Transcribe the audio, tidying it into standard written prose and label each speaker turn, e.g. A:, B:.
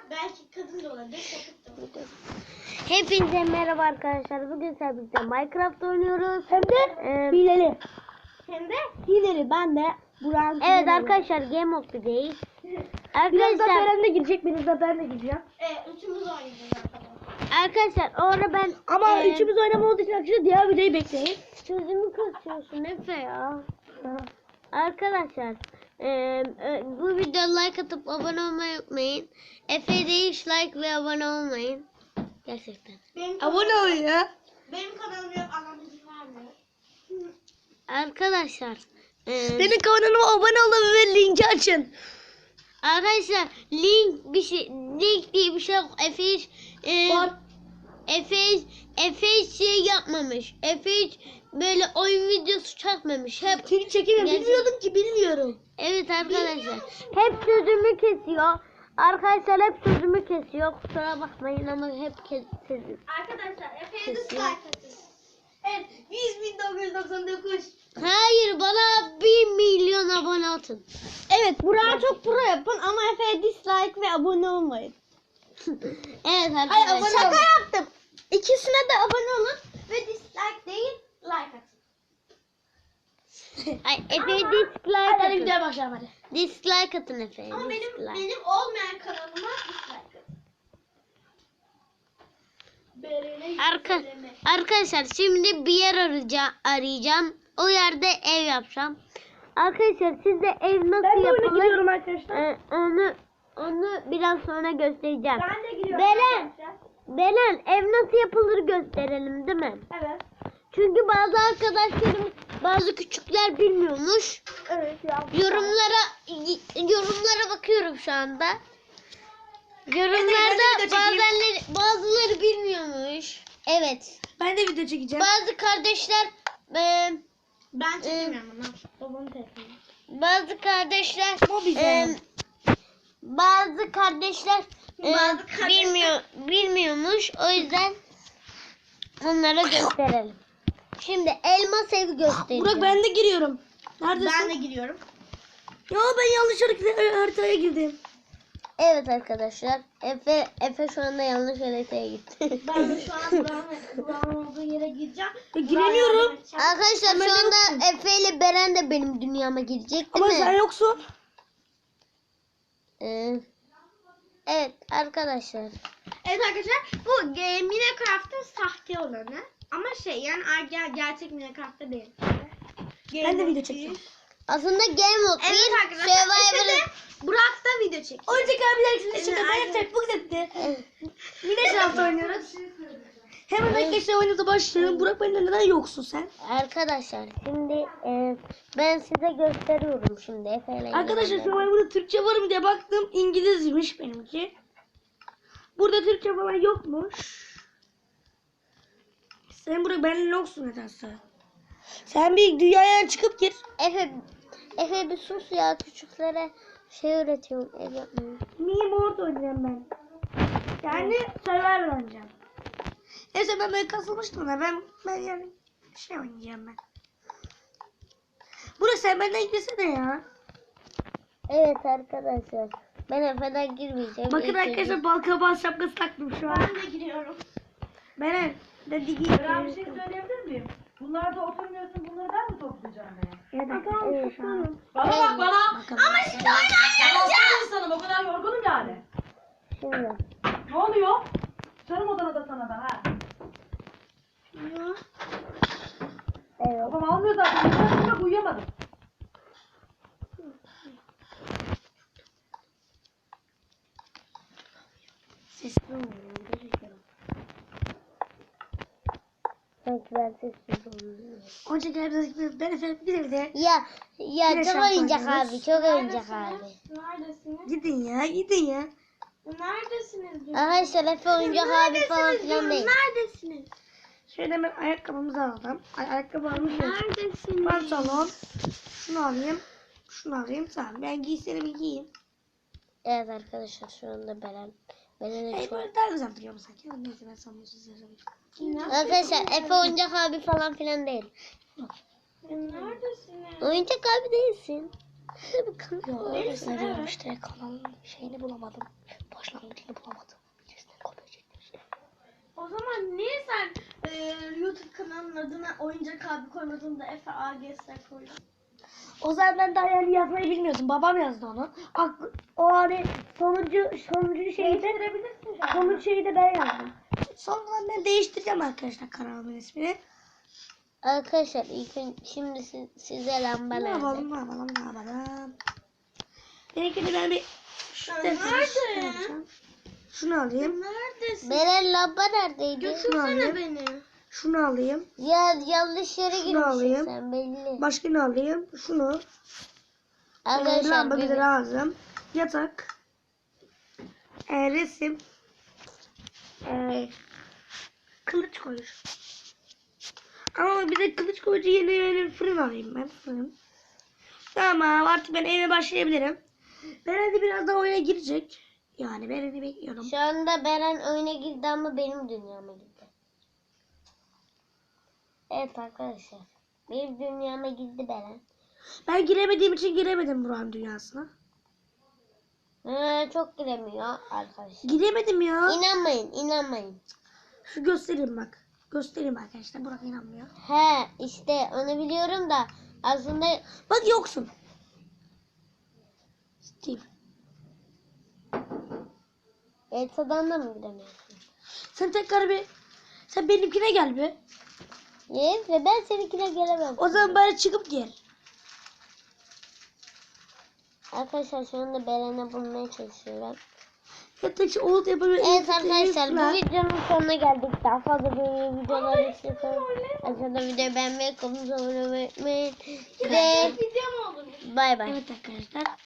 A: Belki kadın da olabilir, çocuk da olabilir.
B: Hepinize merhaba arkadaşlar. Bugün sizlerle Minecraft oynuyoruz.
C: Hem de hileli.
A: Hem de
C: Hileli. Ben de Burak'ın
B: Evet arkadaşlar, Game of the Day.
C: Biraz da
B: Arkadaşlar,
C: Beren de girecek. Biraz da ben de gireceğim.
A: üçümüz oynayacağız arkadaşlar.
B: arkadaşlar orada ben
C: Ama üçümüz oynama olduğu için arkadaşlar diğer videoyu bekleyin.
B: sözümü kısıyorsun Efe ya. Arkadaşlar bu videoya like atıp abone olmayı unutmayın. Efe de hiç like ve abone olmayın. Gerçekten.
C: Abone ol ya.
A: Benim kanalım yok, anam izin vermiyor.
B: Arkadaşlar
C: Benim kanalıma abone olun ve linki açın.
B: arkadaşlar link diye bir şey yok. Efe hiç
C: Var.
B: Efe hiç şey yapmamış. Efe hiç böyle oyun videosu çekmemiş. Hep
C: Çünkü çekemem.
B: Gerçek-
C: Bilmiyordum ki bilmiyorum.
B: evet arkadaşlar. Hep sözümü kesiyor. Arkadaşlar hep sözümü kesiyor. Kusura bakmayın ama hep kesiyor.
A: Arkadaşlar Efe'ye de
B: Kesin.
A: like atın. Evet, 100.999.
B: Hayır, bana 1 milyon abone atın.
C: Evet Burak'a çok pro yapın ama Efe'ye dislike ve abone olmayın.
B: Evet
C: Hayır,
B: arkadaşlar.
C: abone
A: Şaka
C: olun.
A: yaptım. İkisine de abone olun ve dislike değil, like atın.
B: Ay, Efe'ye
A: Ama-
B: dislike
C: Hadi
B: atın.
C: videoya başlayalım hadi.
B: Dislike atın Efe'ye.
A: Ama benim
B: Dislike.
A: olmayan kanalıma dislike atın.
B: Arkadaşlar şimdi bir yer arayacağım. O yerde ev yapacağım. Arkadaşlar siz de ev nasıl
C: Ben de oyuna
B: yapılır?
C: giriyorum arkadaşlar.
B: Onu biraz sonra göstereceğim.
A: Ben de giriyorum
B: Beren,
A: arkadaşlar.
B: Beren, ev nasıl yapılır gösterelim değil mi?
A: Evet.
B: Çünkü bazı arkadaşlarım, bazı küçükler bilmiyormuş.
A: Evet ya.
B: Yorumlara bakıyorum şu anda.
C: Ben de
B: Yorumlarda
C: video çekeyim.
B: bazıları bilmiyormuş. Evet.
C: Ben de video çekeceğim.
B: Bazı kardeşler
A: Ben çekemiyorum ama. Babamın telefonu.
B: bazı kardeşler
C: Mobil.
B: bazı kardeşler
A: Bazı kardeşler-
B: bilmiyormuş. O yüzden onlara gösterelim. Şimdi elmas evi göstereceğim.
C: Burak ben de giriyorum. Neredesin?
A: Ben de giriyorum.
C: Ya ben yanlış haritaya girdim.
B: Evet arkadaşlar. Efe şu anda yanlış haritaya gitti.
A: Ben de şu an Burak'ın olduğu yere gireceğim.
C: Giremiyorum.
B: Arkadaşlar
C: Ama
B: şu
C: ben
B: anda Efe ile Beren de benim dünyama girecek değil
C: Ama
B: mi?
C: sen yoksun.
B: Evet arkadaşlar.
A: Evet arkadaşlar, bu Minecraft'ın sahte olanı. Ama yani gerçek Minecraft'ta değil.
C: Ben de video çekeceğim.
B: Aslında Game Mode
A: Evet
B: değil,
A: arkadaşlar,
B: Survivor'ın...
A: Efe de Burak da video çekiyor.
C: Oyuncak abiler için
A: Evet,
C: çıktı.
A: aynen.
C: Ben Facebook etti. Minecraft oynuyoruz. Hemen arkadaşlar oyunumuza başlayalım. Burak benden neden yoksun sen?
B: Arkadaşlar şimdi ben size gösteriyorum şimdi Efe ile.
C: Arkadaşlar
B: ilgili.
C: şu an burada Türkçe var mı diye baktım. İngilizmiş benimki. Burada Türkçe falan yokmuş. Sen Burak benden yoksun nedense. Sen bir dünyaya çıkıp gir.
B: Efe bir sus ya, küçüklere şey öğretiyorum, ev yapmayı.
C: Mini board oynayacağım ben. Yani Survivor oynayacağım. Neyse ben böyle kasılmıştım da ben yani şey oynayacağım ben. Burası sen benden girsene ya.
B: Evet arkadaşlar, ben Efe'den girmeyeceğim.
C: Bakın
B: İlk
C: arkadaşlar
B: önce-
C: balkabağı şapkası taktım şu an.
A: Ben de giriyorum.
C: Ben de digi.
D: Ben bir şey söyleyebilir miyim? Bunlar da oturmuyorsun, bunları ben mi toplayacağım be?
C: Evet, şu an.
D: Bana bak bana!
A: Ama şimdi oyun
D: Ben
A: oynayacağız.
D: insanım, o kadar yorgunum yani.
B: Şimdi.
D: Ne oluyor? Sarım odana da sana da ha.
B: Evet.
D: Babam almıyor zaten, ben sonra uyuyamadım.
C: Sesli olmuyor.
B: Sanki ben sessiz oluyorum.
C: Oyuncak abiler ben efendim bir de
B: Ya
C: Yine
B: çok
C: şampuan
B: oyuncak
C: yiyoruz.
B: abi, çok oyuncak abi.
A: Neredesiniz?
C: gidin ya gidin ya.
A: Neredesiniz?
B: Arkadaşlar Efe oyuncak abi falan filan değil.
A: Neredesiniz?
C: Şöyle hemen ayakkabımızı alalım. Ayakkabı almışız.
A: Neredesiniz?
C: Pantolon. Şunu alayım. Şunu alayım. Tamam ben giysilerimi giyeyim.
B: Evet arkadaşlar şu anda Beren'e
C: Hey
B: çok...
C: böyle daha güzel duruyor mu sanki? Neyse ben sanmıyorsun size.
B: Arkadaşlar Efe oyuncak abi falan filan değil.
A: Neredesiniz?
B: Oyuncak abi değilsin. Hadi bakalım.
C: Yok öyle söylüyorum işte kanalın şeyini bulamadım. Başlangıcını bulamadım.
A: Onun adına oyuncak abi koymadığımda Efe AGS koydum.
C: O zaman ben daha yani yazmayı bilmiyordum. Babam yazdı onu. O hani sonuncu şeyi de sonuncu şeyi de ben yazdım. Sonra ben değiştireceğim arkadaşlar kanalımın ismini.
B: Arkadaşlar şimdi size lamba
C: Ne
B: nerede?
C: yapalım? Benimkini ben bir
A: Nerede?
C: Şunu alayım.
A: Neredesin?
B: Beren lamba neredeydi?
A: Götürsene beni.
C: Şunu alayım.
B: Ya yanlış yere
C: Şunu
B: girmişsin
C: alayım.
B: sen belli.
C: Başka ne alayım? Şunu.
B: Arkadaşlar
C: Lamba bize
B: bir
C: lazım. Yatak. Resim. Kılıç koyuş. Ama bir de kılıç koyucu yeni fırın alayım ben. Fırın. Tamam artık ben eve başlayabilirim. Beren de biraz daha oyuna girecek. Yani Beren'i bekliyorum.
B: şu anda Beren oyuna girdi ama benim dünyama girdi. Evet arkadaşlar. Benim dünyama girdi Beren.
C: Ben giremediğim için giremedim Burak'ın dünyasına.
B: Çok giremiyor arkadaşlar.
C: Giremedim ya.
B: İnanmayın.
C: Şu göstereyim bak. Göstereyim arkadaşlar. Burak inanmıyor.
B: He işte onu biliyorum da aslında
C: Bak yoksun. Steve.
B: Elsa'dan da mı giremiyorsun?
C: Sen tekrar bir... Sen benimkine gel bir.
B: Yes ve ben seninkine gelemem.
C: O zaman bari çıkıp gel.
B: Arkadaşlar şu anda Beren'e bulmaya çalışıyorum.
C: Yatak şu oğul yapabilir.
B: Evet arkadaşlar bu videonun sonuna geldik. Daha fazla böyle videolar istiyorsanız aşağıda videoyu beğenmeyi, kanalımıza abone olmayı unutmayın. Ve
A: Video mu olur?
B: bay bay.
C: Evet arkadaşlar.